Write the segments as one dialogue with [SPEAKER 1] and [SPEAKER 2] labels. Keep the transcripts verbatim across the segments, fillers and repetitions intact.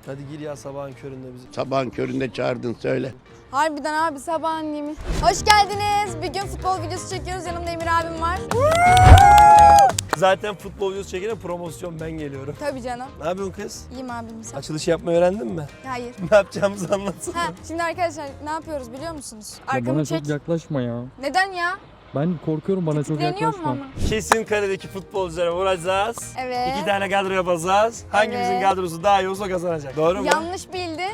[SPEAKER 1] Hadi gir ya sabahın köründe bizi.
[SPEAKER 2] Sabahın köründe çağırdın söyle.
[SPEAKER 3] Harbiden abi sabahın yemin. Hoş geldiniz. Bir gün futbol videosu çekiyoruz. Yanımda Emir abim var.
[SPEAKER 1] Zaten futbol videosu çekene promosyon ben geliyorum.
[SPEAKER 3] Tabii canım.
[SPEAKER 1] Ne yapıyorsun kız?
[SPEAKER 3] İyiyim abim sen.
[SPEAKER 1] Açılış yapmayı öğrendin mi?
[SPEAKER 3] Hayır.
[SPEAKER 1] Ne yapacağımızı anlatsana.
[SPEAKER 3] Ha, şimdi arkadaşlar ne yapıyoruz biliyor musunuz?
[SPEAKER 4] Ya
[SPEAKER 3] Arkamı
[SPEAKER 4] bana
[SPEAKER 3] çek.
[SPEAKER 4] çok yaklaşma ya.
[SPEAKER 3] Neden ya?
[SPEAKER 4] Ben korkuyorum, bana çok
[SPEAKER 3] Titreniyor mu
[SPEAKER 4] yaklaşma.
[SPEAKER 3] ama?
[SPEAKER 1] Kesin karedeki futbolculara vuracağız.
[SPEAKER 3] Evet.
[SPEAKER 1] İki tane kadro yapacağız. Hangimizin
[SPEAKER 3] Evet.
[SPEAKER 1] kadrosu daha iyi olsa kazanacak. Doğru mu?
[SPEAKER 3] Yanlış bildin.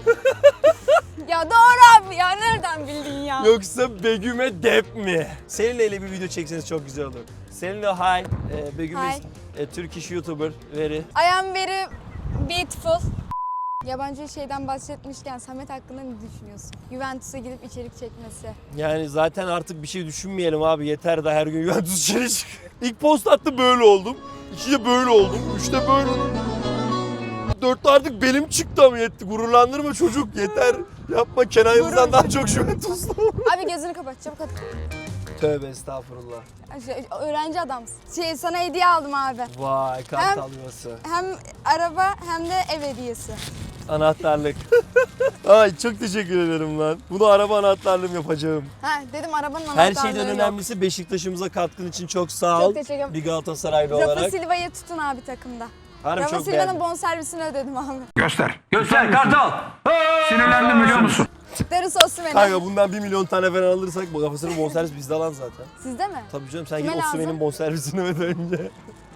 [SPEAKER 3] Ya doğru abi ya, nereden bildin ya?
[SPEAKER 1] Yoksa Begüm'e dep mi? Seninle ile bir video çekseniz çok güzel olur. Seninle hi. Ee, Begüm
[SPEAKER 3] Hi.
[SPEAKER 1] is a Turkish YouTuber. Very.
[SPEAKER 3] I am very beautiful. Yabancı şeyden bahsetmişken Samet hakkında ne düşünüyorsun? Juventus'a gidip içerik çekmesi.
[SPEAKER 1] Yani zaten artık bir şey düşünmeyelim abi. Yeter de her gün Juventus içeri çık. İlk post attı böyle oldum. İkide böyle oldum. Üçte böyle oldum. Dörtte artık belim çıktı ama yetti. Gururlandırma çocuk yeter. Yapma Kenan Yıldız'dan daha çok Juventuslu.
[SPEAKER 3] Abi gözünü kapat çabuk hadi.
[SPEAKER 1] Tövbe estağfurullah.
[SPEAKER 3] Şey, öğrenci adamsın. Şey, sana hediye aldım abi.
[SPEAKER 1] Vay kartal yuvası.
[SPEAKER 3] Hem araba hem de ev hediyesi.
[SPEAKER 1] Anahtarlık. Ay çok teşekkür ederim lan. Bunu araba anahtarlığım yapacağım.
[SPEAKER 3] Ha dedim arabanın anahtarlığı
[SPEAKER 1] Her şeyden
[SPEAKER 3] yok.
[SPEAKER 1] önemlisi Beşiktaş'ımıza katkın için çok sağ
[SPEAKER 3] Çok
[SPEAKER 1] ol.
[SPEAKER 3] teşekkür ederim.
[SPEAKER 1] Bir Galatasaraylı
[SPEAKER 3] Rafa
[SPEAKER 1] olarak.
[SPEAKER 3] Silva'yı tutun abi takımda.
[SPEAKER 1] Harbi
[SPEAKER 3] Rafa
[SPEAKER 1] çok
[SPEAKER 3] Silva'nın
[SPEAKER 1] beğendim.
[SPEAKER 3] bonservisini ödedim abi.
[SPEAKER 5] Göster. Göster Kartal. Sinirlendim biliyor musun?
[SPEAKER 3] Darısı Osimhen'e.
[SPEAKER 1] Kanka bundan bir milyon tane falan alırsak bu kafasının bonservis bizde lan zaten.
[SPEAKER 3] Sizde mi?
[SPEAKER 1] Tabii canım sen
[SPEAKER 3] Kime
[SPEAKER 1] git
[SPEAKER 3] lazım?
[SPEAKER 1] Osimhen'in bonservisini öde önce.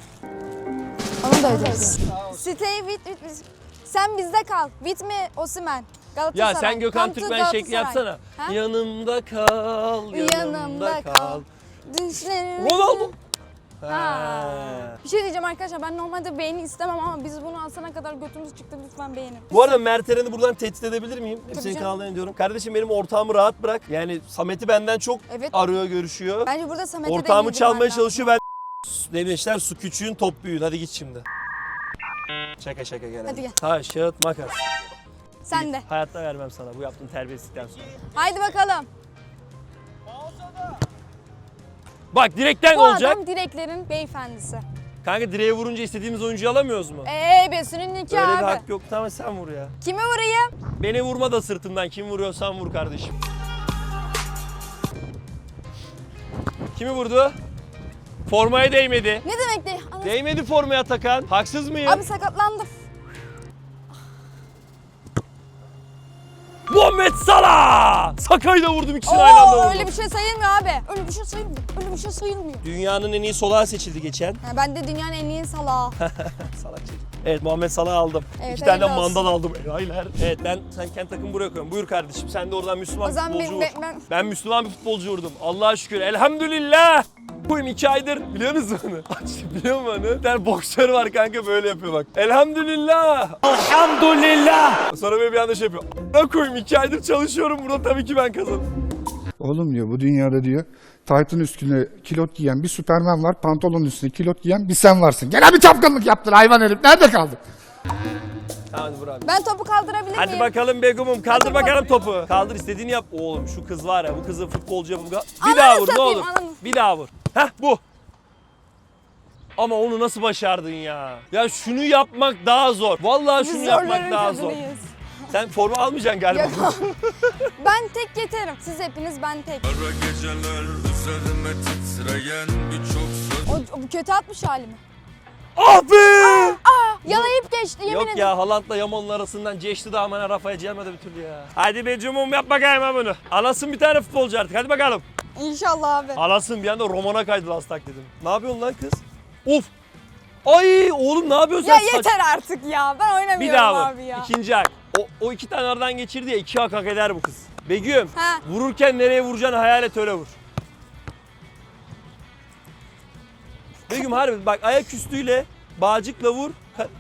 [SPEAKER 3] Onu da öderiz. Stay with, with, with. Sen bizde kal. With me Osimhen. Galatasaray.
[SPEAKER 1] Ya sen Gökhan
[SPEAKER 3] Come to
[SPEAKER 1] Türkmen şekli
[SPEAKER 3] Galatasaray.
[SPEAKER 1] yapsana.
[SPEAKER 3] Ha?
[SPEAKER 1] Yanımda kal, yanımda,
[SPEAKER 3] Yanımda
[SPEAKER 1] kal.
[SPEAKER 3] kal. Düşlerim.
[SPEAKER 1] Ronaldo.
[SPEAKER 3] Ha.
[SPEAKER 1] Ha.
[SPEAKER 3] Bir şey diyeceğim arkadaşlar, ben normalde beğeni istemem ama biz bunu alsana kadar götümüz çıktı, lütfen beğenin.
[SPEAKER 1] Bu arada Mert Eren'i buradan tehdit edebilir miyim? Hep
[SPEAKER 3] Tabii
[SPEAKER 1] senin
[SPEAKER 3] canım.
[SPEAKER 1] kanallarını diyorum. Kardeşim benim ortağımı rahat bırak. Yani Samet'i benden çok
[SPEAKER 3] Evet.
[SPEAKER 1] arıyor, görüşüyor.
[SPEAKER 3] Bence burada Samet'e de
[SPEAKER 1] Ortağımı
[SPEAKER 3] yedirmen
[SPEAKER 1] çalmaya
[SPEAKER 3] lazım.
[SPEAKER 1] çalışıyor. Ben demişler su küçüğün top büyüğün. Hadi git şimdi. Şaka şaka gel.
[SPEAKER 3] Hadi gel.
[SPEAKER 1] Taş, kağıt, makas.
[SPEAKER 3] Sen de.
[SPEAKER 1] Hayatta vermem sana bu yaptığın terbiyesizlikten sonra.
[SPEAKER 3] Haydi bakalım.
[SPEAKER 1] Bak direkten
[SPEAKER 3] Bu
[SPEAKER 1] olacak.
[SPEAKER 3] adam direklerin beyefendisi.
[SPEAKER 1] Kanka direğe vurunca istediğimiz oyuncuyu alamıyoruz mu?
[SPEAKER 3] Eee besinin nikahı
[SPEAKER 1] Öyle
[SPEAKER 3] abi.
[SPEAKER 1] bir hak yok. Tamam sen vur ya.
[SPEAKER 3] Kimi vurayım?
[SPEAKER 1] Beni vurma da sırtımdan. Kim vuruyorsan vur kardeşim. Kimi vurdu? Formaya değmedi.
[SPEAKER 3] Ne demek de? Ana-
[SPEAKER 1] Değmedi formaya takan. Haksız mıyım?
[SPEAKER 3] Abi sakatlandım.
[SPEAKER 1] Muhammed Salah! Sakayı da vurdum, ikisini aynı anda
[SPEAKER 3] Oo
[SPEAKER 1] vurdum.
[SPEAKER 3] öyle bir şey sayılmıyor abi. Öyle bir şey sayılmıyor. Öyle bir şey sayılmıyor.
[SPEAKER 1] Dünyanın en iyi solağı seçildi geçen.
[SPEAKER 3] Ha, ben de dünyanın en iyi salağı.
[SPEAKER 1] Salak çocuk. Evet Muhammed Salah'ı aldım.
[SPEAKER 3] Evet,
[SPEAKER 1] İki tane de
[SPEAKER 3] hayırlı olsun.
[SPEAKER 1] mandal aldım. Hayırlar. Evet ben sen kendi takımı buraya koyuyorum. Buyur kardeşim sen de oradan Müslüman
[SPEAKER 3] O zaman
[SPEAKER 1] futbolcu vur.
[SPEAKER 3] ben- ben- ben-
[SPEAKER 1] Ben Müslüman bir futbolcu vurdum. Allah'a şükür. Elhamdülillah. Buyum iki aydır biliyor musun onu? Biliyor musun onu? Bir tane boksör var kanka böyle yapıyor bak. Elhamdülillah. Elhamdülillah. Sonra böyle bir anda şey yapıyor. Ne koyayım iki aydır çalışıyorum burada tabii ki ben kazandım.
[SPEAKER 6] Oğlum diyor bu dünyada diyor taytın üstüne kilot giyen bir Süperman var, pantolonun üstüne kilot giyen bir sen varsın. Gene bir çapkınlık yaptın hayvan herif. Nerede kaldın?
[SPEAKER 1] Tamam hadi vur abi.
[SPEAKER 3] Ben topu kaldırabilir miyim?
[SPEAKER 1] Hadi bakalım Begum'um kaldır
[SPEAKER 3] Hadi
[SPEAKER 1] bakalım
[SPEAKER 3] bakalım.
[SPEAKER 1] topu. Kaldır istediğini yap. Oğlum şu kız var ya bu kızı futbolcu yapın. Bir
[SPEAKER 3] Ananı
[SPEAKER 1] daha vur ne
[SPEAKER 3] satayım,
[SPEAKER 1] olur.
[SPEAKER 3] ananı.
[SPEAKER 1] Bir daha vur. Heh bu. Ama onu nasıl başardın ya? Ya şunu yapmak daha zor. Vallahi
[SPEAKER 3] Biz
[SPEAKER 1] şunu yapmak
[SPEAKER 3] zorların
[SPEAKER 1] daha zor.
[SPEAKER 3] kadınıyız.
[SPEAKER 1] Sen forma almayacaksın galiba.
[SPEAKER 3] Yok. Ben tek yeterim. Siz hepiniz ben tek.
[SPEAKER 7] Kara geceler üzerime titreyen birçok söz.
[SPEAKER 3] O, o bu kötü atmış halimi.
[SPEAKER 1] Ah be!
[SPEAKER 3] Yalayıp geçti yemin
[SPEAKER 1] Yok
[SPEAKER 3] ederim.
[SPEAKER 1] ya Haaland'la Yaman'ın arasından geçti de aman Rafa'ya gelmedi bir türlü ya. Hadi be Cumhum yap bakayım ha bunu. Alasın bir tane futbolcu artık hadi bakalım.
[SPEAKER 3] İnşallah abi.
[SPEAKER 1] Alasın bir anda romana kaydı lastak dedim. Ne yapıyorsun lan kız? Of! Ay oğlum ne yapıyorsun
[SPEAKER 3] Ya
[SPEAKER 1] sen? Saç-
[SPEAKER 3] yeter artık ya. Ben oynamıyorum
[SPEAKER 1] Bir daha vur.
[SPEAKER 3] abi ya.
[SPEAKER 1] İkinci hak. O, o iki tane aradan geçirdi ya iki hak hak eder bu kız. Begüm
[SPEAKER 3] Ha.
[SPEAKER 1] vururken nereye vuracağını hayal et öyle vur. Begüm harbi bak ayak üstüyle bağcıkla vur.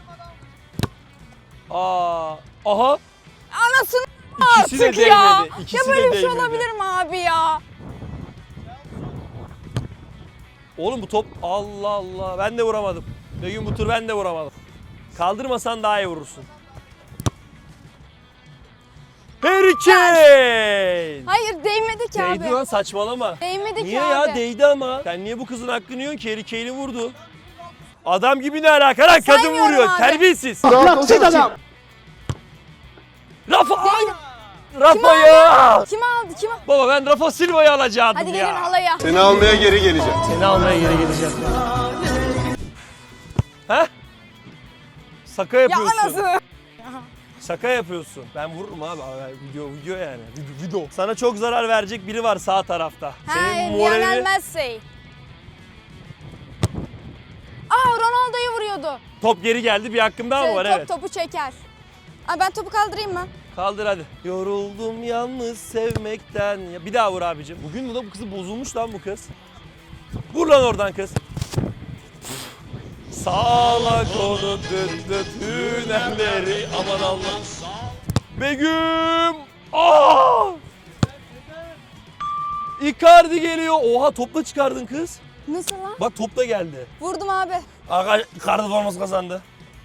[SPEAKER 1] Aa, aha
[SPEAKER 3] Anasını
[SPEAKER 1] ikisi de
[SPEAKER 3] artık ya.
[SPEAKER 1] değmedi. İkisi
[SPEAKER 3] Ya
[SPEAKER 1] de
[SPEAKER 3] böyle bir şey
[SPEAKER 1] değmedi.
[SPEAKER 3] olabilir mi abi ya?
[SPEAKER 1] Oğlum bu top Allah Allah ben de vuramadım. Begüm bu tur ben de vuramadım. Kaldırmasan daha iyi vurursun. Harry Kane!
[SPEAKER 3] Hayır değmedi ki
[SPEAKER 1] Değdi
[SPEAKER 3] abi.
[SPEAKER 1] lan saçmalama.
[SPEAKER 3] Değmedi
[SPEAKER 1] Niye
[SPEAKER 3] ki
[SPEAKER 1] ya
[SPEAKER 3] abi.
[SPEAKER 1] değdi ama. Sen niye bu kızın hakkını yiyorsun ki? Harry Kane'i vurdu. Adam gibi ne alaka lan kadın
[SPEAKER 3] Saymıyorum
[SPEAKER 1] vuruyor.
[SPEAKER 3] abi.
[SPEAKER 1] Terbiyesiz. Rafa'yı.
[SPEAKER 3] Kim aldı? Kim aldı?
[SPEAKER 1] Baba ben Rafa Silva'yı alacaktım
[SPEAKER 3] Hadi
[SPEAKER 1] ya.
[SPEAKER 3] gelin halaya.
[SPEAKER 2] Seni almaya geri geleceğim.
[SPEAKER 1] Seni almaya geri geleceğim. He? Şaka
[SPEAKER 3] Ya
[SPEAKER 1] yapıyorsun.
[SPEAKER 3] anasını.
[SPEAKER 1] Şaka yapıyorsun. Ben vururum abi. abi video video yani. Video, video. Sana çok zarar verecek biri var sağ tarafta.
[SPEAKER 3] He, Lionel Messi. Aa, Ronaldo'yu vuruyordu.
[SPEAKER 1] Top geri geldi. Bir hakkım daha mı var?
[SPEAKER 3] Top
[SPEAKER 1] Evet.
[SPEAKER 3] topu çeker. Aa, ben topu kaldırayım mı?
[SPEAKER 1] Kaldır hadi. Yoruldum yalnız sevmekten. Ya bir daha vur abicim. Bugün bu da bu kızı bozulmuş lan bu kız. Vur lan oradan kız. Sağla konu düt düt hünerleri aman Allah. Begüm! Aa! Icardi geliyor. Oha topla çıkardın kız.
[SPEAKER 3] Nasıl lan?
[SPEAKER 1] Bak top da geldi.
[SPEAKER 3] Vurdum abi.
[SPEAKER 1] Aga Icardi forması kazandı.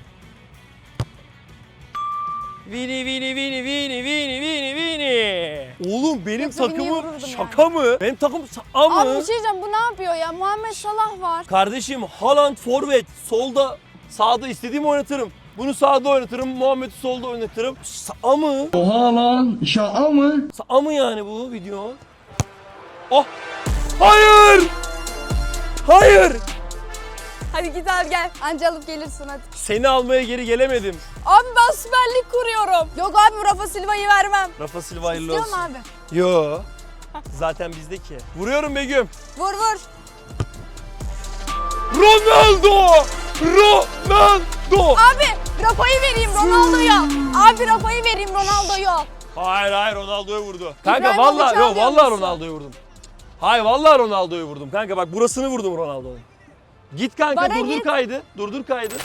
[SPEAKER 1] Vini vini vini vini vini vini vini. Oğlum benim
[SPEAKER 3] Yoksa Vini'yi
[SPEAKER 1] takımım
[SPEAKER 3] vururdum
[SPEAKER 1] şaka mı? Benim takım şaka mı?
[SPEAKER 3] Abi bir şey diyeceğim, bu ne yapıyor ya? Muhammed Salah var.
[SPEAKER 1] Kardeşim Haaland forvet, solda sağda istediğimi oynatırım. Bunu sağda oynatırım, Muhammed'i solda oynatırım. Sağa mı?
[SPEAKER 5] Oha lan. Şaka mı?
[SPEAKER 1] Sağa mı yani bu video? Oh! Hayır! Hayır!
[SPEAKER 3] Hadi git abi gel. Anca alıp gelirsin hadi.
[SPEAKER 1] Seni almaya geri gelemedim.
[SPEAKER 3] Abi ben Süper Lig kuruyorum. Yok abi, Rafa Silva'yı vermem.
[SPEAKER 1] Rafa Silva hayırlı
[SPEAKER 3] İstiyor
[SPEAKER 1] olsun.
[SPEAKER 3] mu abi?
[SPEAKER 1] Yo. Zaten bizdeki. Vuruyorum Begüm.
[SPEAKER 3] Vur vur.
[SPEAKER 1] Ronaldo! Ronaldo!
[SPEAKER 3] Abi Rafa'yı vereyim Ronaldo'ya. Abi Rafa'yı vereyim Ronaldo'ya.
[SPEAKER 1] Hayır hayır Ronaldo'ya vurdu. Kanka
[SPEAKER 3] İbrahimovic
[SPEAKER 1] vallahi yok
[SPEAKER 3] almıyor
[SPEAKER 1] vallahi
[SPEAKER 3] musun?
[SPEAKER 1] Ronaldo'ya vurdum. Hayır vallahi Ronaldo'ya vurdum. Kanka bak burasını vurdum Ronaldo'nun. Git kanka
[SPEAKER 3] Bana
[SPEAKER 1] durdur
[SPEAKER 3] git.
[SPEAKER 1] kaydı. Durdur kaydı.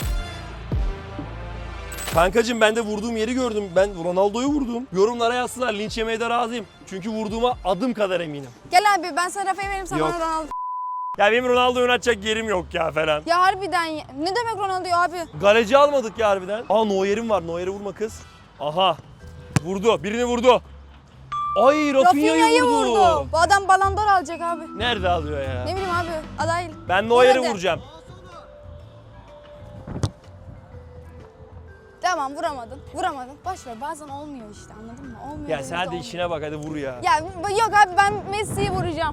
[SPEAKER 1] Kankacığım ben de vurduğum yeri gördüm. Ben Ronaldo'yu vurdum. Yorumlara yazsınlar, linç yemeye de razıyım. Çünkü vurduğuma adım kadar eminim.
[SPEAKER 3] Gel abi ben sana Rafa'yı vereyim, sen
[SPEAKER 1] Yok.
[SPEAKER 3] bana Ronaldo.
[SPEAKER 1] Ya benim Ronaldo'yu oynatacak yerim yok ya falan.
[SPEAKER 3] Ya harbiden ya. Ne demek Ronaldo abi?
[SPEAKER 1] Galeci almadık ya harbiden. Aa Neuer'im var. Neuer'e vurma kız. Aha. Vurdu. Birini vurdu. Ay Rafinha'yı
[SPEAKER 3] Rafinha'yı
[SPEAKER 1] vurdu.
[SPEAKER 3] vurdu. Bu adam Ballon d'Or alacak abi.
[SPEAKER 1] Nerede alıyor ya?
[SPEAKER 3] Ne bileyim abi, aday.
[SPEAKER 1] Ben Neuer'i
[SPEAKER 3] Vur hadi.
[SPEAKER 1] vuracağım.
[SPEAKER 3] Tamam, vuramadın. Vuramadın. Boş ver, bazen olmuyor işte, anladın mı? Olmuyor.
[SPEAKER 1] Ya
[SPEAKER 3] demek
[SPEAKER 1] sen hadi
[SPEAKER 3] olmuyor.
[SPEAKER 1] işine bak hadi vur ya.
[SPEAKER 3] Ya yok abi, ben Messi'yi vuracağım.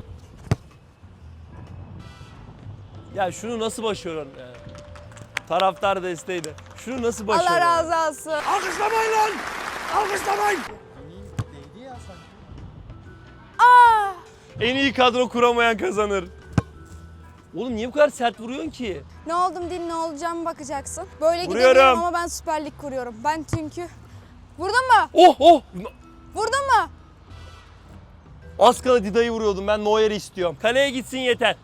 [SPEAKER 1] Ya şunu nasıl başarıyorsun ya? Taraftar desteğiyle. Şunu nasıl başarıyorsun?
[SPEAKER 3] Allah razı olsun.
[SPEAKER 1] Alkışlamayın lan! Alkışlamayın!
[SPEAKER 3] Aa!
[SPEAKER 1] En iyi kadro kuramayan kazanır. Oğlum niye bu kadar sert vuruyorsun ki?
[SPEAKER 3] Ne oldum değil, ne olacağımı bakacaksın. Böyle
[SPEAKER 1] Vuruyorum.
[SPEAKER 3] gidemiyorum ama ben Süper Lig kuruyorum. Ben çünkü... Vurdun mu?
[SPEAKER 1] Oh oh!
[SPEAKER 3] Vurdun mu?
[SPEAKER 1] Az kala Dida'yı vuruyordum. Ben Neuer'i istiyorum. Kaleye gitsin yeter.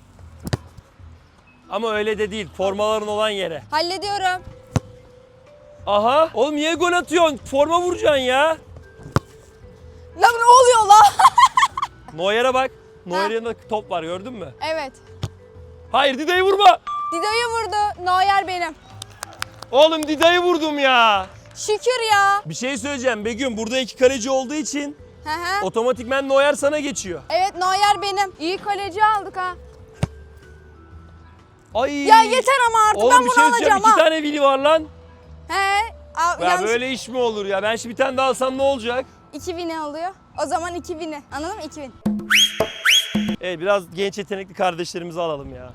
[SPEAKER 1] Ama öyle de değil. Formaların olan yere.
[SPEAKER 3] Hallediyorum.
[SPEAKER 1] Aha. Oğlum niye gol atıyorsun? Forma vuracaksın ya.
[SPEAKER 3] Lan ne oluyor la?
[SPEAKER 1] Neuer'e bak. Neuer'in yanında top var gördün mü?
[SPEAKER 3] Evet.
[SPEAKER 1] Hayır Dida'yı vurma.
[SPEAKER 3] Dida'yı vurdu. Neuer benim.
[SPEAKER 1] Oğlum Dida'yı vurdum ya.
[SPEAKER 3] Şükür ya.
[SPEAKER 1] Bir şey söyleyeceğim Begüm. Burada iki kaleci olduğu için
[SPEAKER 3] Hı hı.
[SPEAKER 1] otomatikmen Neuer sana geçiyor.
[SPEAKER 3] Evet, Neuer benim. İyi kaleci aldık ha.
[SPEAKER 1] Ay.
[SPEAKER 3] Ya yeter ama artık,
[SPEAKER 1] Oğlum
[SPEAKER 3] ben
[SPEAKER 1] bir
[SPEAKER 3] bunu
[SPEAKER 1] şey söyleyeceğim.
[SPEAKER 3] alacağım
[SPEAKER 1] İki
[SPEAKER 3] ha.
[SPEAKER 1] tane Vili var lan.
[SPEAKER 3] He. Aa,
[SPEAKER 1] Ya
[SPEAKER 3] yanlış.
[SPEAKER 1] böyle iş mi olur ya? Ben şimdi bir tane daha alsam ne olacak?
[SPEAKER 3] iki bini alıyor. O zaman iki bini. Anladın mı? iki bin.
[SPEAKER 1] Evet biraz genç yetenekli kardeşlerimizi alalım ya.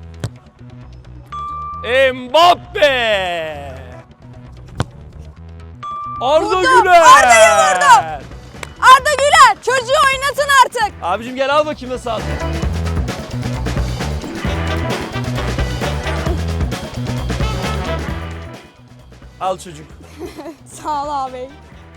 [SPEAKER 1] Mbappe! Arda
[SPEAKER 3] Vurdu,
[SPEAKER 1] Güler!
[SPEAKER 3] Arda'yı vurdu. Arda Güler, çocuğu oynatın artık.
[SPEAKER 1] Abicim gel al bakayım nasıl aldın. Al çocuk.
[SPEAKER 3] Sağ ol abi.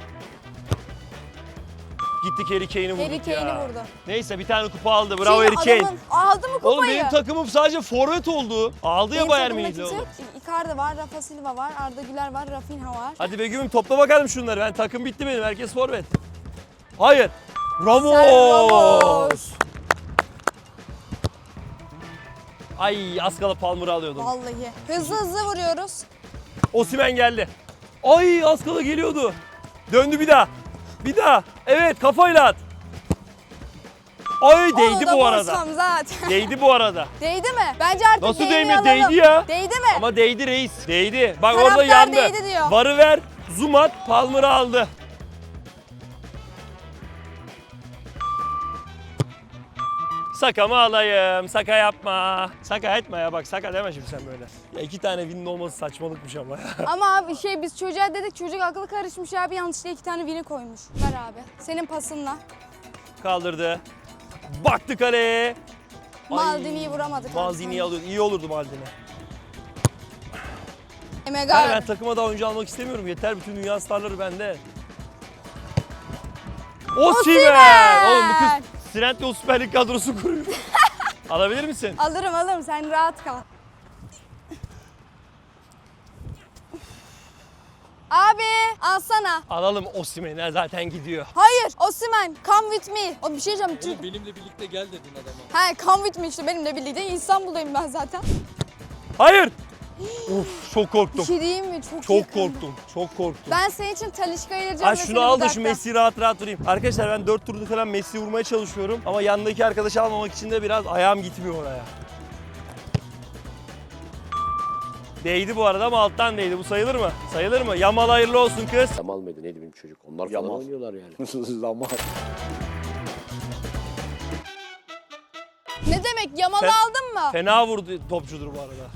[SPEAKER 1] Gittik Harry Kane'i vurduk
[SPEAKER 3] Harry Kane'i
[SPEAKER 1] ya.
[SPEAKER 3] vurdu.
[SPEAKER 1] Neyse bir tane kupa aldı. Bravo
[SPEAKER 3] Şimdi
[SPEAKER 1] Harry Kane.
[SPEAKER 3] adamın- aldı mı kupayı?
[SPEAKER 1] Oğlum benim takımım sadece forvet oldu. Aldı ya
[SPEAKER 3] Benim
[SPEAKER 1] Bayern
[SPEAKER 3] takımda
[SPEAKER 1] Münih'le
[SPEAKER 3] kimse
[SPEAKER 1] oğlum.
[SPEAKER 3] yok. Icardi var, Rafa Silva var, Arda Güler var, Rafinha var.
[SPEAKER 1] Hadi Begüm'üm topla bakalım şunları. Ben takım bitti benim. Herkes forvet. Hayır. Ramos.
[SPEAKER 3] Ramos.
[SPEAKER 1] Ay az kala Palmer'ı alıyordum.
[SPEAKER 3] Vallahi. Hızlı hızlı vuruyoruz.
[SPEAKER 1] Osimhen geldi. Ay az kala geliyordu. Döndü bir daha. Bir daha. Evet kafayla at. Ay
[SPEAKER 3] Onu
[SPEAKER 1] değdi
[SPEAKER 3] da
[SPEAKER 1] bu arada.
[SPEAKER 3] vursam zaten.
[SPEAKER 1] Değdi bu arada.
[SPEAKER 3] Değdi mi? Bence artık
[SPEAKER 1] Nasıl
[SPEAKER 3] değmeyi
[SPEAKER 1] değmedi?
[SPEAKER 3] alalım.
[SPEAKER 1] Değdi ya.
[SPEAKER 3] Değdi mi?
[SPEAKER 1] Ama değdi reis. Değdi. Bak
[SPEAKER 3] Taraftar
[SPEAKER 1] orada yandı.
[SPEAKER 3] değdi diyor.
[SPEAKER 1] Varı ver. Zoom at. Palmer'ı aldı. Saka mı alayım? Saka yapma. Saka etme ya bak saka deme şimdi sen böyle. Ya iki tane win'in olması saçmalıkmış ama ya.
[SPEAKER 3] Ama abi şey biz çocuğa dedik çocuk aklı karışmış abi yanlışlıkla iki tane vini koymuş. Ver abi. Senin pasınla.
[SPEAKER 1] Kaldırdı. Baktı kaleye. Ay,
[SPEAKER 3] Maldini'yi vuramadık.
[SPEAKER 1] Maldini'yi alıyordu. İyi olurdu Maldini.
[SPEAKER 3] Emega.
[SPEAKER 1] Hayır, ben takıma daha oyuncu almak istemiyorum. Yeter bütün dünya starları bende. Osimhen! Oğlum bu kız Trent'le Süper Lig kadrosu kuruyor. Alabilir misin?
[SPEAKER 3] Alırım alırım sen rahat kal. Abi alsana.
[SPEAKER 1] Alalım Osimhen'i zaten gidiyor.
[SPEAKER 3] Hayır Osimhen come with me. O bir şey diyeceğim. Türk-
[SPEAKER 4] Benimle birlikte gel dedin adama.
[SPEAKER 3] He come with me işte benimle birlikte İstanbul'dayım ben zaten.
[SPEAKER 1] Hayır! Uf çok
[SPEAKER 3] Bir
[SPEAKER 1] korktum.
[SPEAKER 3] şey diyeyim mi? Çok,
[SPEAKER 1] Çok
[SPEAKER 3] yakındı.
[SPEAKER 1] korktum. Çok korktum.
[SPEAKER 3] Ben senin için Talisca'yı vereceğim.
[SPEAKER 1] Ay
[SPEAKER 3] ve
[SPEAKER 1] şunu
[SPEAKER 3] seni
[SPEAKER 1] al da
[SPEAKER 3] uzakta.
[SPEAKER 1] şu Messi'yi rahat rahat durayım. Arkadaşlar ben dört turda falan Messi'yi vurmaya çalışıyorum. Ama yanındaki arkadaşı almamak için de biraz ayağım gitmiyor oraya. Değdi bu arada ama alttan değdi. Bu sayılır mı? Sayılır mı? Yamal hayırlı olsun kız.
[SPEAKER 2] Yamal mıydı neydi benim çocuk? Onlar falan oynuyorlar yani. Yamal.
[SPEAKER 3] Ne demek Yamal'ı
[SPEAKER 1] Sen-
[SPEAKER 3] aldın mı?
[SPEAKER 1] Fena vurdu topçudur bu arada.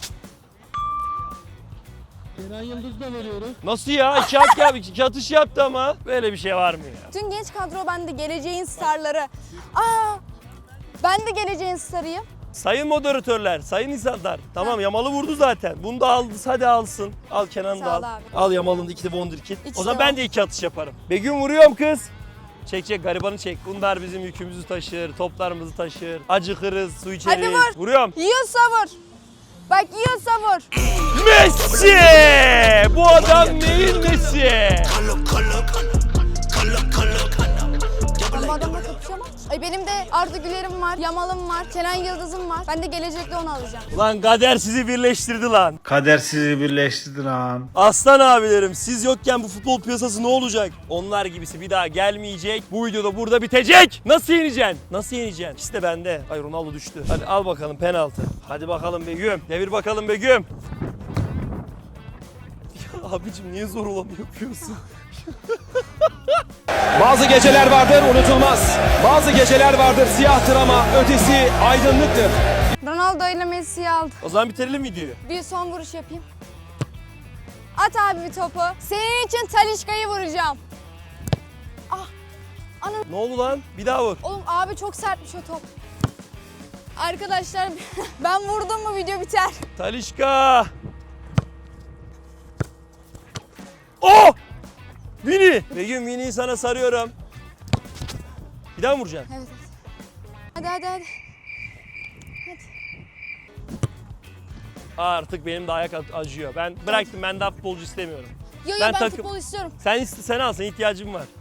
[SPEAKER 4] Kenan Yıldız da veriyoruz.
[SPEAKER 1] Nasıl ya? İki at ya, iki atış yaptı ama. Böyle bir şey var mı ya?
[SPEAKER 3] Tüm genç kadro bende geleceğin starları. Aa, ben de geleceğin starıyım.
[SPEAKER 1] Sayın moderatörler, sayın insanlar. Tamam Yamal'ı vurdu zaten. Bunu da aldı, hadi alsın. Al Kenan'ı da
[SPEAKER 3] Sağ ol
[SPEAKER 1] al.
[SPEAKER 3] abi.
[SPEAKER 1] Al Yamal'ın da iki de wonderkid.
[SPEAKER 3] İkisi
[SPEAKER 1] O zaman
[SPEAKER 3] de
[SPEAKER 1] ben
[SPEAKER 3] var.
[SPEAKER 1] de iki atış yaparım. Begüm vuruyorum kız. Çek çek garibanı çek. Bunlar bizim yükümüzü taşır, toplarımızı taşır. Acıkırız, su içeriz.
[SPEAKER 3] Hadi vur.
[SPEAKER 1] Vuruyorum.
[SPEAKER 3] Yiyorsa vur. Bak yiyorsa vur.
[SPEAKER 1] Messi! Bu adam neyin Messi?
[SPEAKER 3] Ben bu adamla kapışamam. Ay benim de Arda Güler'im var, Yamal'ım var, Kenan Yıldız'ım var. Ben de gelecekte onu alacağım.
[SPEAKER 1] Lan kader sizi birleştirdi lan.
[SPEAKER 5] Kader sizi birleştirdi lan.
[SPEAKER 1] Aslan abilerim siz yokken bu futbol piyasası ne olacak? Onlar gibisi bir daha gelmeyecek. Bu videoda burada bitecek. Nasıl yeneceksin? Nasıl yeneceksin? İşte bende. Ay Ronaldo düştü. Hadi al bakalım penaltı. Hadi bakalım Begüm. Devir bakalım Begüm. Ya abicim niye zor olanı yapıyorsun?
[SPEAKER 8] Bazı geceler vardır unutulmaz. Bazı geceler vardır siyahtır ama ötesi aydınlıktır.
[SPEAKER 3] Ronaldo ile Messi'yi aldı.
[SPEAKER 1] O zaman bitirelim videoyu.
[SPEAKER 3] Bir son vuruş yapayım. At abi bir topu. Senin için Talisca'yı vuracağım.
[SPEAKER 1] Ne oldu lan? Bir daha vur.
[SPEAKER 3] Oğlum abi çok sertmiş o top. Arkadaşlar ben vurdum mu video biter.
[SPEAKER 1] Talisca. Oh! Vini. Begüm Vini'yi sana sarıyorum. Bir daha mı vuracaksın?
[SPEAKER 3] Evet evet. Hadi hadi hadi.
[SPEAKER 1] Artık benim de ayak acıyor. Ben bıraktım. Ben daha futbolcu istemiyorum.
[SPEAKER 3] Yo yo
[SPEAKER 1] Ben
[SPEAKER 3] ben,
[SPEAKER 1] takım-
[SPEAKER 3] futbol istiyorum.
[SPEAKER 1] Sen iste, sen al. Senin ihtiyacın var.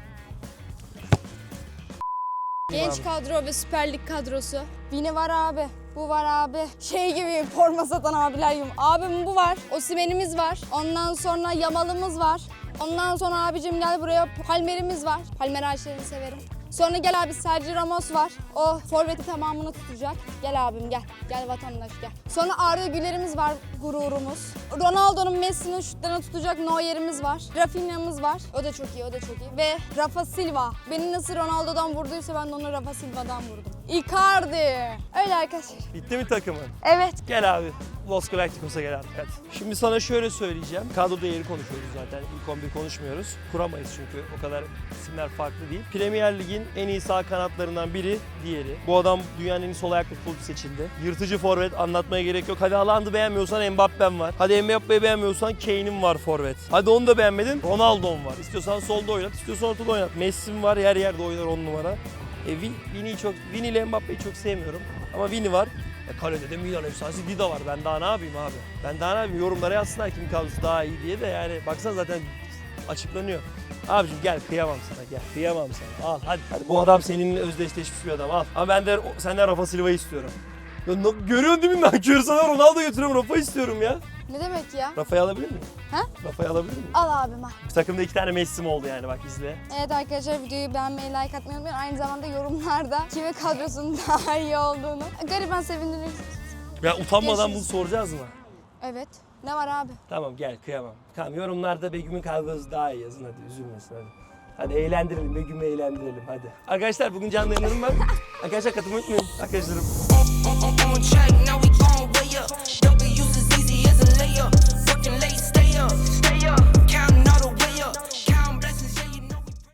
[SPEAKER 3] Genç kadro ve Süper Lig kadrosu. Vini var abi. Bu var abi. Şey gibi forma satan abiler gibi. Abim bu var. Osimhen'imiz var. Ondan sonra Yamal'ımız var. Ondan sonra abicim gel buraya Palmer'imiz var. Palmer ağaçlarını severim. Sonra gel abi Sergio Ramos var. O forveti tamamını tutacak. Gel abim gel. Gel vatandaş gel. Sonra Arda Güler'imiz var gururumuz. Ronaldo'nun Messi'nin şutlarını tutacak Neuer'imiz var. Rafinha'mız var. O da çok iyi, o da çok iyi. Ve Rafa Silva. Beni nasıl Ronaldo'dan vurduysa ben de onu Rafa Silva'dan vurdum. Icardi. Öyle arkadaşlar.
[SPEAKER 1] Bitti mi takımın?
[SPEAKER 3] Evet.
[SPEAKER 1] Gel abi. Los Galacticos'a gel artık hadi. Şimdi sana şöyle söyleyeceğim. Kadro değeri konuşuyoruz zaten. İlk on bir konuşmuyoruz. Kuramayız çünkü o kadar isimler farklı değil. Premier Lig'in en iyi sağ kanatlarından biri diğeri. Bu adam dünyanın en iyi sol ayaklı futbolcu seçildi. Yırtıcı forvet anlatmaya gerek yok. Hadi Haaland'ı beğenmiyorsan Mbappe'm var. Hadi Mbappe'yi beğenmiyorsan Kane'im var forvet. Hadi onu da beğenmedin Ronaldo'm var. İstiyorsan solda oynat, istiyorsan ortada oynat. Messi'm var, her yerde oynar on numara. E, Vini'yi çok, Vini ile Mbappe'yi çok sevmiyorum. Ama Vini var. E, kalede de Milan efsanesi Dida var. Ben daha ne yapayım abi? Ben daha ne yapayım? Yorumlara yazsınlar kim kadrosu daha iyi diye de yani baksana zaten açıklanıyor. Abicim gel kıyamam sana gel. Kıyamam sana. Al hadi. hadi. Bu adam seninle özdeşleşmiş bir adam al. Ama ben de o- senden Rafa Silva'yı istiyorum. Ya, no- görüyorsun değil mi ben? Körü sana Ronaldo götürüyorum. Rafa istiyorum ya.
[SPEAKER 3] Ne demek ya?
[SPEAKER 1] Rafa'yı alabilir miyim?
[SPEAKER 3] Ha?
[SPEAKER 1] Rafa'yı alabilir miyim?
[SPEAKER 3] Al abim al.
[SPEAKER 1] Bu takımda iki tane Messi'm oldu yani bak izle.
[SPEAKER 3] Evet arkadaşlar videoyu beğenmeyi, like atmayı unutmayın. Aynı zamanda yorumlarda kimin kadrosunun daha iyi olduğunu. Gariban sevindirirsiniz.
[SPEAKER 1] Ya utanmadan bunu
[SPEAKER 3] Görüşürüz.
[SPEAKER 1] soracağız mı?
[SPEAKER 3] Evet. Ne var abi?
[SPEAKER 1] Tamam gel kıyamam. Tamam yorumlarda Begüm'ün kadrosu daha iyi yazın hadi üzülmesin hadi. Hadi eğlendirelim, Begüm'ü eğlendirelim hadi. Arkadaşlar bugün canlı yayınlarım var. Arkadaşlar katılmayı unutmayın arkadaşlarım.